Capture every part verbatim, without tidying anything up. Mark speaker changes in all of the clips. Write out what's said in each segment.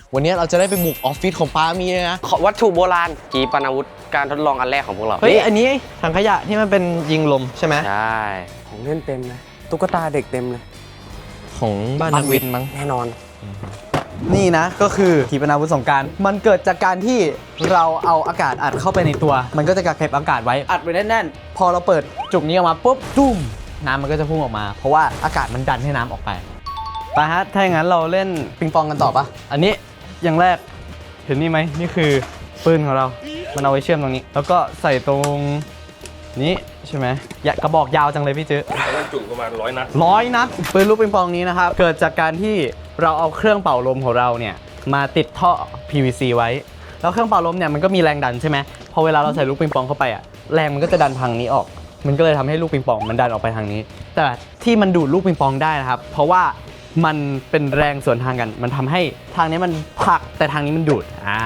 Speaker 1: วันนี้เราจะได้ไปบุกออฟฟิศของป้ามีนะ
Speaker 2: วัตถุโบราณขีปนาวุธการทดลองอันแรกของพวกเรา
Speaker 1: เฮ้ยอันนี้ถังขยะที่มันเป็นยิงลมใช่ไหม
Speaker 2: ใช่ของเล่นเต็มเลยตุ๊กตาเด็กเต็มเลย
Speaker 1: ของบ้านนักวิทย์มั้ง
Speaker 2: แน่นอน
Speaker 3: นี่นะก็คือขีปนาวุธสงกรานต์มันเกิดจากการที่เราเอาอากาศอัดเข้าไปในตัว มันก็จะกักเก็บอากาศไว้อัดไว้แน่นๆพอเราเปิดจุกนี้ออกมาปุ๊บตุ้มน้ำมันก็จะพุ่งออกมา เพราะว่าอากาศมันดันให้น้ำออกไปไปฮะถ้าอย่างนั้นเราเล่นปิงปองกันต่อปะอันนี้อย่างแรกเห็นนี่ไหมนี่คือปืนของเรา มันเอาไว้เชื่อมตรงนี้ แล้วก็ใส่ตรงนี้ใช่ไหมอย่ากระบอกยาวจังเลยพี่จื้อ
Speaker 4: จุประมาณร้อยนัด
Speaker 3: ร้อยนัดปืนลูกปิงปองนี้นะครับเกิดจากการที่เราเอาเครื่องเป่าลมของเราเนี่ยมาติดท่อ พี วี ซี ไว้แล้วเครื่องเป่าลมเนี่ยมันก็มีแรงดันใช่ไหมพอเวลาเราใส่ลูกปิงปองเข้าไปอ่ะแรงมันก็จะดันทางนี้ออก มันก็เลยทำให้ลูกปิงปองมันดันออกไปทางนี้ แต่ที่มันดูดลูกปิงปองได้นะครับเพราะว่ามันเป็นแรงสวนทางกันมันทำให้ทางนี้มันผลักแต่ทางนี้มันดูดอ่า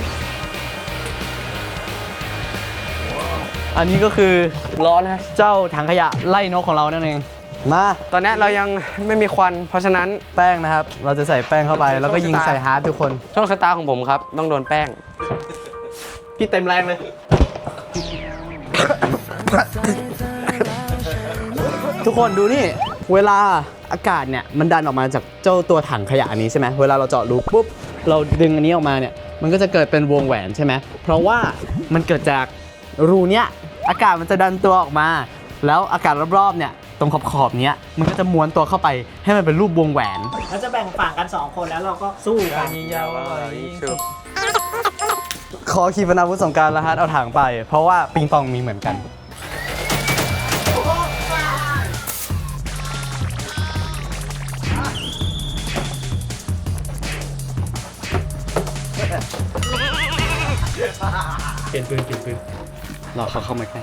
Speaker 3: อันนี้ก็คือ
Speaker 2: ร้อนนะ
Speaker 3: เจ้าถังขยะไล่นกของเรานั่นเองมา
Speaker 2: ตอนนี้เรายังไม่มีควันเพราะฉะนั้น
Speaker 3: แป้งนะครับ เราจะใส่แป้งเข้าไปแล้วก็ยิงใส่ฮาร์ดทุกคน
Speaker 2: โชคชะตาของผมครับต้องโดนแป้ง
Speaker 3: พี่เต็มแรงเลย ทุกคนดูนี่ เวลาอากาศเนี่ยมันดันออกมาจากเจ้าตัวถังขยะอันนี้ใช่ไหมเวลาเราเจาะรูปุ๊บ เราดึงอันนี้ออกมาเนี่ย มันก็จะเกิดเป็นวงแหวนใช่ไหมเพราะว่ามันเกิดจากรูเนี้ยอากาศมันจะดันตัวออกมา แล้วอากาศรอบๆเนี่ยตรงขอบๆเนี้ยมันก็จะม้วนตัวเข้าไปให้มันเป็นรูปวงแหวน
Speaker 5: เราจะแบ่งฝั่งกันสองคนแล้วเราก็สู้กัน
Speaker 3: ขอขีปนาวุธสงกรานต์แล้วฮะเอาถังไป เพราะว่าปิงปองมีเหมือนกัน
Speaker 4: เปลี่ยนปืนเปลี่ยนปืน
Speaker 3: รอเขาเข้ามาใกล้